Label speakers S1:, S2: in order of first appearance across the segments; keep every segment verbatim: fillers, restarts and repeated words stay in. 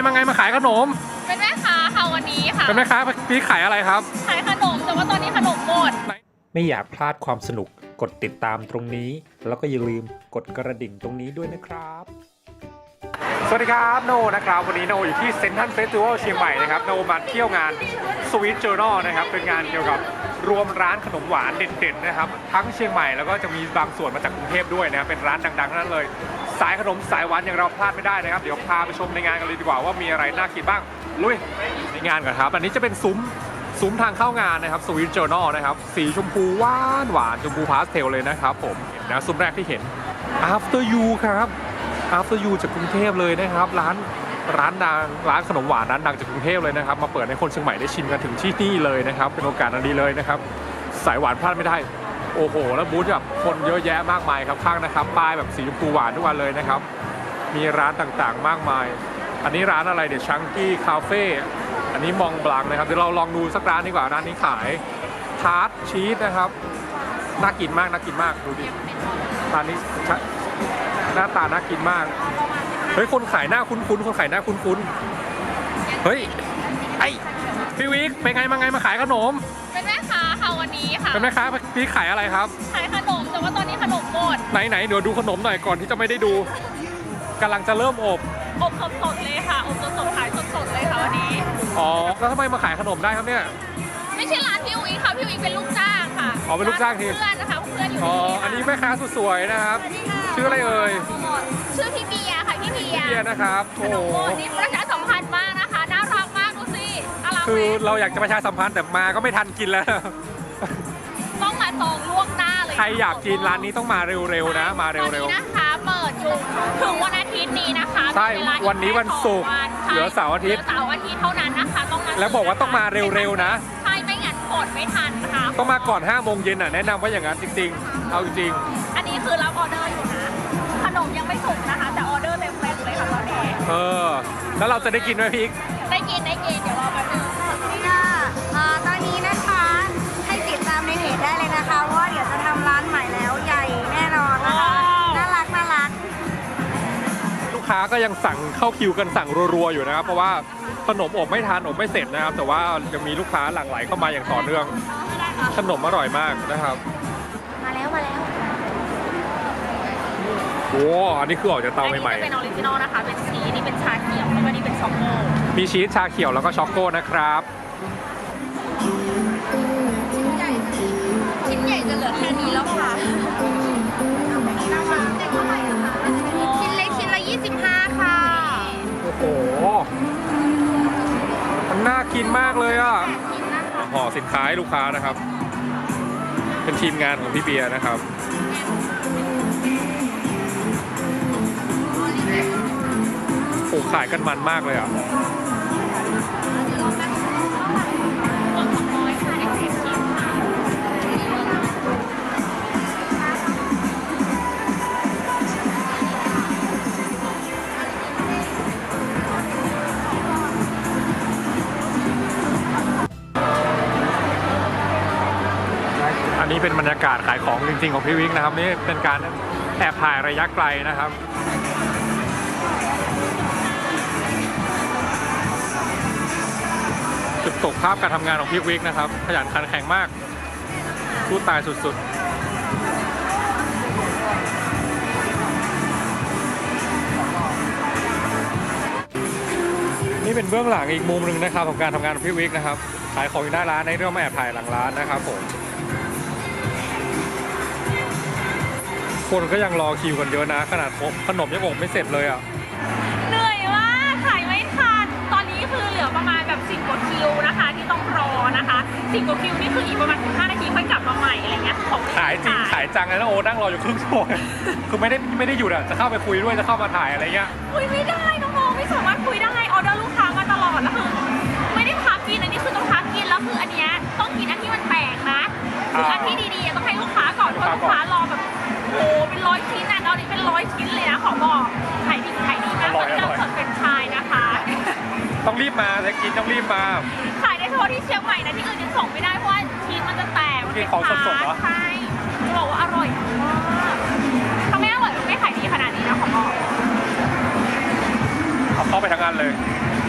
S1: มาไงมาขายขนม
S2: เป็นแม่ค้าค่ะวันนี้ค่ะ
S1: เป็นแม่ค้าพี่ขายอะไรครับ
S2: ขายขนมแต่ว่าตอนนี้ขนมหมด
S1: ไม่อยากพลาดความสนุกกดติดตามตรงนี้แล้วก็อย่าลืมกดกระดิ่งตรงนี้ด้วยนะครับสวัสดีครับโนนะครับวันนี้โนอยู่ที่เซ็นทรัลเฟสติวัลเชียงใหม่นะครับโนมาเที่ยวงานสวีทเจอร์นอลนะครับเป็นงานเกี่ยวกับรวมร้านขนมหวานเด็ดๆนะครับทั้งเชียงใหม่แล้วก็จะมีบางส่วนมาจากกรุงเทพด้วยนะครับเป็นร้านดังๆทั้งนั้นเลยสายขนมสายหวานอย่างเราพลาดไม่ได้นะครับเดี๋ยวพาไปชมในงานกันเลยดีกว่าว่ามีอะไรน่ากินบ้างลุยในงานก่อนครับอันนี้จะเป็นซุ้มซุ้มทางเข้างานนะครับสวีทเจอร์นอลนะครับสีชมพูหวานหวานชมพูพาสเทลเลยนะครับผมนะซุ้มแรกที่เห็น After You ครับ After You จากกรุงเทพเลยนะครับร้านร้านดังร้านขนมหวานร้านดังจากกรุงเทพเลยนะครับมาเปิดให้คนเชียงใหม่ได้ชิมกันถึงที่นี่เลยนะครับเป็นโอกาสอันดีเลยนะครับสายหวานพลาดไม่ได้โอ้โหแล้วบูธแบบคนเยอะแยะมากมายครับข้างนะครับป้ายแบบสีชมพูหวานทุกวันเลยนะครับมีร้านต่างๆมากมายอันนี้ร้านอะไรเดี๋ยวชังกี้คาเฟ่อันนี้มองบลังนะครับเดี๋ยวเราลองดูสักร้านดีกว่าร้านนี้ขายทาร์ตชีสนะครับน่ากินมากน่ากินมากดูดิร้านนี้หน้าตาน่ากินมากเฮ้ยคนขายหน้าคุ้นๆคนขายหน้าคุ้นๆเฮ้ยไอพี่วิกเป็นไงมาไงมาขายขนม
S2: เป็นแม่ค้าค่ะวันนี้ค่ะ
S1: เป็นแม่ค้าพี่ขายอะไรครับ
S2: ขายขนมแต่ว่าตอนนี้ขนมหมด
S1: ไหนไหนเดี๋ยวดูขนมหน่อยก่อนที่จะไม่ได้ดูกำลังจะเริ่มอบ
S2: อบสดๆเลยค่ะอบสดๆขายสดๆเลยค่ะวันนี้
S1: อ๋อแล้วทำไมมาขายขนมได้ครับเนี่ย
S2: ไม่ใช่ร้านพี่วิกค่ะพี่วิกเป็นลูกจ้างค่ะ
S1: อ๋อเป็นลูกจ้างที
S2: เพื่อนนะคะเพื่อนอยู่
S1: อ๋ออันนี้แม่ค้าสุดสวยนะครับชื่ออะไรเอ่ย
S2: ชื่อพี่เบียร์ค่ะพี่เบียร์
S1: พี่เบียร์นะครับโอ้โห
S2: นี่ประชาสัมพันธ์มากนะคะน่ารักมากดูสิ
S1: คือเราอยากจะประชาสัมพันธ์แต่มาก็ไม่ทันกินแล้ว
S2: ต้องมาจองล่วงหน้าเลย
S1: ใครอยากกินร้านนี้ต้องมาเร็วๆนะมาเร็ว
S2: ๆนะคะเปิดอยู่ถึงวันอาทิตย์นี้นะคะ
S1: ใช่วันนี้วันศุกร์เหลือเสาร์อาทิตย์
S2: เสาร์อาทิตย์เท่านั้นนะคะต้องมา
S1: แล้วบอกว่าต้องมาเร็วๆนะ
S2: ใช่ไม่งั้นกดไม่ทันค่ะ
S1: ต้องมาก่อนห้าโมงเย็นอ่ะแนะนำว่าอย่างนั้นจริงๆเอาจริง
S2: อันนี้คือรับออเดอร์อยู่นะขนมยังไม่สุกนะคะแต่ออเดอร์เต็มเต็มเลยค่ะตอนนี้
S1: เออแล้วเราจะได้กินไหมพี่
S2: ได้กินได้กินเดี๋ยวรอแป๊บนึง
S3: นี่ค่ะตอนนี้นะคะให้ติดตามในเพจได้เลยนะคะว่าเดี๋ยวจะทำร้านใหม่แล้วใหญ่แน่นอนนะคะน่ารักน่ารัก
S1: ลูกค้าก็ยังสั่งเข้าคิวกันสั่งรัวๆอยู่นะครับเพราะว่าขนมอบไม่ทานอบไม่เสร็จนะครับแต่ว่ายังมีลูกค้าหลั่งไหลเข้ามาอย่างต่อเนื่องขนมอร่อยมากนะครับ
S3: มาแล้วมาแล้ว
S1: โอ้อันนี้คือออกจากเตาใหม่ๆ
S2: เป็นออริจินอลนะคะเป็นชีสนี่เป็นชาเขียวแล้วก็นี่เป็นช็อกโก
S1: มีชีสชาเขียวแล้วก็ช็อกโกนะครับ
S2: ชิ้นใหญ่จะเหลือแค่นี้แล้วค่ะชิ้นเล็กชิ้นละยี่สิบห้าค่ะ
S1: โอ้โหมันน่ากินมากเลยอ่ะห่อสินค้าให้ลูกค้านะครับเป็นทีมงานของพี่เบียร์นะครับโอ้ขายกันมันมากเลยอ่ะอันนี้เป็นบรรยากาศขายของจริงๆของพี่วิกนะครับนี่เป็นการแอบถ่ายระยะไกลนะครับจุดตกภาพการทำงานของพี่วิกนะครับขยันขันแข็งมากสู้ตายสุดๆนี่เป็นเบื้องหลังอีกมุมหนึ่งนะครับของการทำงานของพี่วิกนะครับขายของอยู่หน้าร้านในเรื่องมาแอบถ่ายหลังร้านนะครับผมคนก็ยังรอคิวกันเยอะนะขนาดขนมยังอบไม่เสร็จเลยอ่ะ
S2: เหนื่อยมากขายไม่ทันตอนนี้คือเหลือประมาณแบบสิบกว่าคิวนะคะที่ต้องรอนะคะสิบกว่าคิวนี่คืออีกประมาณสิบห้านาทีค่อยกลับมาใหม่อะไรเงี้ยของ
S1: ขายจริงขายจังเลยนะโอ้นั่งรออยู่ครึ่งชั่วโมงคือไม่ได้ไม่ได้หยุดอ่ะจะเข้าไปคุยด้วยจะเข้ามาถ่ายอะไรเงี้ย
S2: คุยไม่ได้น้องๆไม่สามารถคุยได้ออเดอร์ลูกค้ามาตลอดแล้วคือไม่ได้พักกินอันนี้คือต้องพักกินแล้วคืออันเนี้ยต้องกินอันที่มันแปลกนะคืออันที่ดีๆต้องให้ลูกค้าก่อนเพราะลูกค้ารอแบบโอ้เป็นร้อยชิ้นนะตอนนี้เป็นร้อยชิ้นเลยนะขอบอกขายดีขายดีมากตอนนี้เราเปิดเป็นชายนะคะ
S1: ต้องรีบมาจะกินต้องรีบมา
S2: ขายได้เฉพาะที่เชียงใหม่นะที่อื่นยังส่งไม่ได้เพราะว่าชิ้นมันจะแตก
S1: กินของสดๆเหรอ
S2: ใช่จะบอกว่าอร่อยมากถ้าไม่อร่อยไม่ขายดีขนาดนี้นะขอบอก
S1: เอาเข้าไปทางงานเลย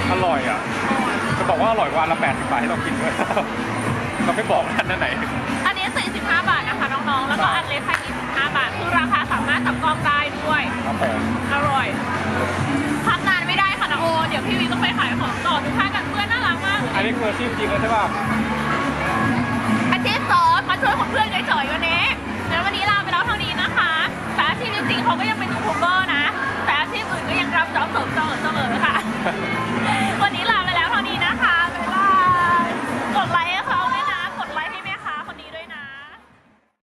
S1: อร่อยอ่ะจะบอกว่าอร่อยกว่าอันละแปดสิบบาทที่เรากินด้วย เราไม่บอกอันนั้นไหน
S2: อันนี้สี่สิบห้าบาทนะคะน้องๆแล้วก็อันเล็กค่ะยี่สิบห้าบาทคือราคาสามารถจับต้องได้ด้วย
S1: ครับผม
S2: อร่อยพักนานไม่ได้ค่ะนะโอเดี๋ยวพี่วีต้องไปขายของต่อดูท่ากันเพื่อนน่ารักมาก
S1: อันนี้คืออาชีพจริงเลยใช่ป่ะ
S2: อาชีพสอนมาช่วยของเพื่อนเฉยๆวันนี้แล้ววันนี้ลาไปแล้วเท่านี้นะคะแต่อาชีพจริงๆเขาก็ยังเป็นยูทูบเบอร์นะ